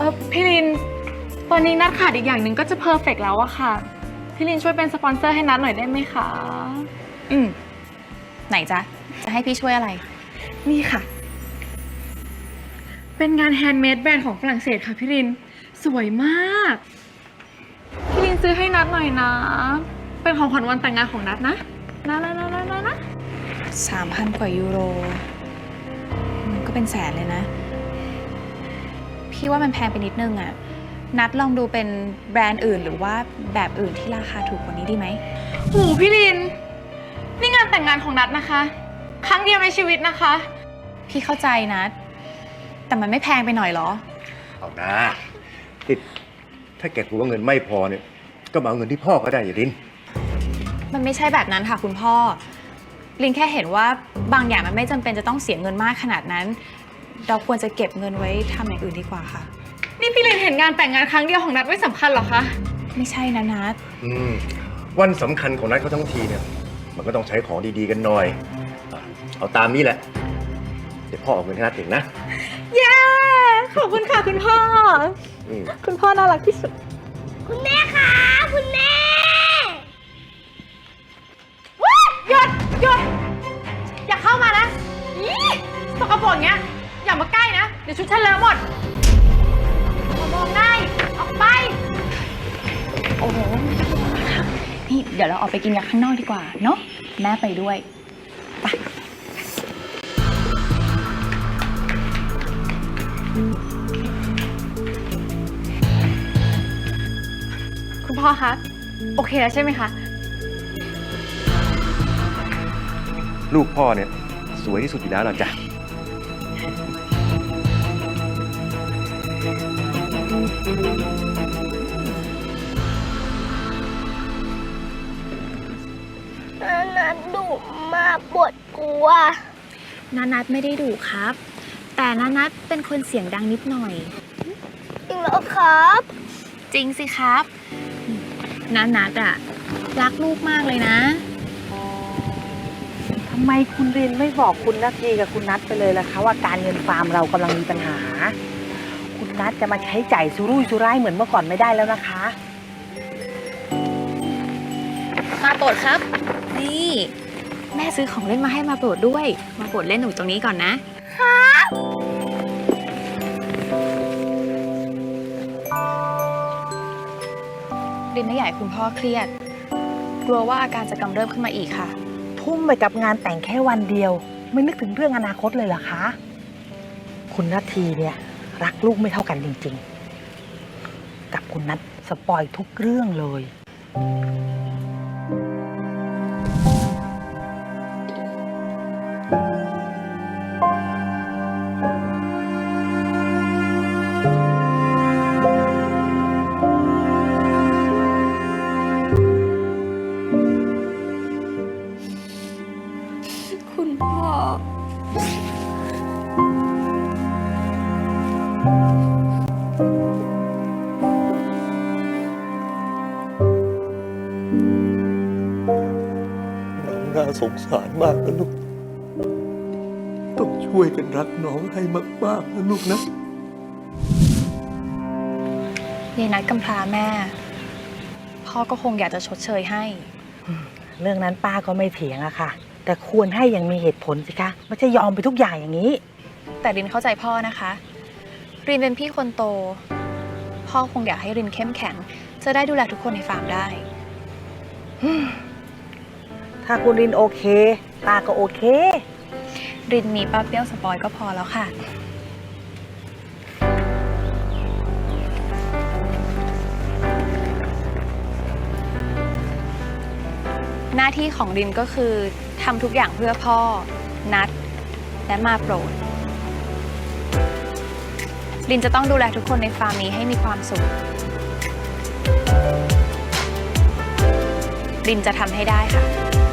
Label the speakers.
Speaker 1: พี่ลินตอนนี้นัดขาดอีกอย่างหนึ่งก็จะเพอร์เฟกต์แล้วอะค่ะพี่ลินช่วยเป็นสปอนเซอร์ให้นัดหน่อยได้ไหมคะ
Speaker 2: ไหนจ๊ะจะให้พี่ช่วยอะไร
Speaker 1: นี่ค่ะ เป็นงานแฮนด์เมดแบรนด์ของฝรั่งเศสค่ะพี่ลินสวยมากพี่ลินซื้อให้นัดหน่อยนะเป็นของขวัญวันแต่งงานของนัดนะ
Speaker 2: 3,000 กว่ายูโรมันก็เป็นแสนเลยนะพี่ว่ามันแพงไปนิดนึงอะนัดลองดูเป็นแบรนด์อื่นหรือว่าแบบอื่นที่ราคาถูกกว่านี้ดีไหม
Speaker 1: โหพี่ลินนี่งานแต่งงานของนัดนะคะครั้งเดียวในชีวิตนะคะ
Speaker 2: พี่เข้าใจนัดแต่มันไม่แพงไปหน่อยเหรอ
Speaker 3: เอานะติดถ้าแกกลัวว่าเงินไม่พอเนี่ยก็มาเอาเงินที่พ่อก็ได้อย่าลิน
Speaker 2: มันไม่ใช่แบบนั้นค่ะคุณพ่อลินแค่เห็นว่าบางอย่างมันไม่จำเป็นจะต้องเสียเงินมากขนาดนั้นเราควรจะเก็บเงินไว้ทำอย่างอื่นดีกว่าค่ะ
Speaker 1: นี่พี่ลินเห็นงานแต่งงานครั้งเดียวของนัดไม่สำคัญหรอคะ
Speaker 2: ไม่ใช่นะนัด
Speaker 3: วันสำคัญของนัดเขาทั้งทีเนี่ยมันก็ต้องใช้ของดีๆกันหน่อยเอาตามนี้แหละเดี๋ยวพ่อเอาเงินให้นัดเองนะ
Speaker 1: เย้ขอบคุณค่ะคุณพ่อคุณพ่อน่ารักที่สุด
Speaker 4: คุณแม่คะคุณแม่
Speaker 1: หยุดอย่าเข้ามานะสกปรกอย่างเงี้ยอย่ามาใกล้นะเดี๋ยวชุดฉันเลอะหมดมองได้ออกไป
Speaker 2: โอ้โหนี่เดี๋ยวเราออกไปกินกันข้างนอกดีกว่าเนาะแม่ไปด้วยไป
Speaker 1: คุณพ่อคะโอเคแล้วใช่ไหมคะ
Speaker 3: ลูกพ่อเนี่ยสวยที่สุดอยู่แล้วล่ะจ้ะ
Speaker 4: นัดดุมากปวดกลัว
Speaker 2: นัดไม่ได้ดุครับแต่นัดเป็นคนเสียงดังนิดหน่อย
Speaker 4: จริงเหรอครับ
Speaker 2: จริงสิครับนัดอะรักลูกมากเลยนะ
Speaker 5: ทำไมคุณรินไม่บอกคุณนาทีกับคุณนัทไปเลยล่ะคะว่าการเงินฟาร์มเรากำลังมีปัญหาคุณนัทจะมาใช้จ่ายสุรุ่ยสุร่ายเหมือนเมื่อก่อนไม่ได้แล้วนะคะ
Speaker 2: มาโปรดครับนี่แม่ซื้อของเล่นมาให้มาโปรดด้วยมาโปรดเล่นหนูตรงนี้ก่อนนะครับรินไม่อยากให้คุณพ่อเครียดกลัวว่าอาการจะกำเริบขึ้นมาอีกค่ะ
Speaker 5: ทุ่มไปกับงานแต่งแค่วันเดียวไม่นึกถึงเรื่องอนาคตเลยเหรอคะคุณนาทีเนี่ยรักลูกไม่เท่ากันจริงๆกับคุณนัทสปอยทุกเรื่องเลย
Speaker 2: คุณพ่อ
Speaker 3: น้องน่าสงสารมากนะลูกต้องช่วยกันรักน้องให้มากๆนะลูกนะ
Speaker 2: ยายนัดกำพร้าแม่พ่อก็คงอยากจะชดเชยให้
Speaker 5: เรื่องนั้นป้าก็ไม่เถียงอะค่ะแต่ควรให้อย่างมีเหตุผลสิคะไม่ใช่ยอมไปทุกอย่างอย่างนี้
Speaker 2: แต่รินเข้าใจพ่อนะคะรินเป็นพี่คนโตพ่อคงอยากให้รินเข้มแข็งจะได้ดูแลทุกคนในฟาร์มได้
Speaker 5: ถ้าคุณรินโอเคป้าก็โอเค
Speaker 2: รินมีป้าเปรี้ยวสปอยก็พอแล้วค่ะหน้าที่ของรินก็คือทำทุกอย่างเพื่อพ่อนัดและมาโปรดรินจะต้องดูแลทุกคนในฟาร์มนี้ให้มีความสุขรินจะทำให้ได้ค่ะ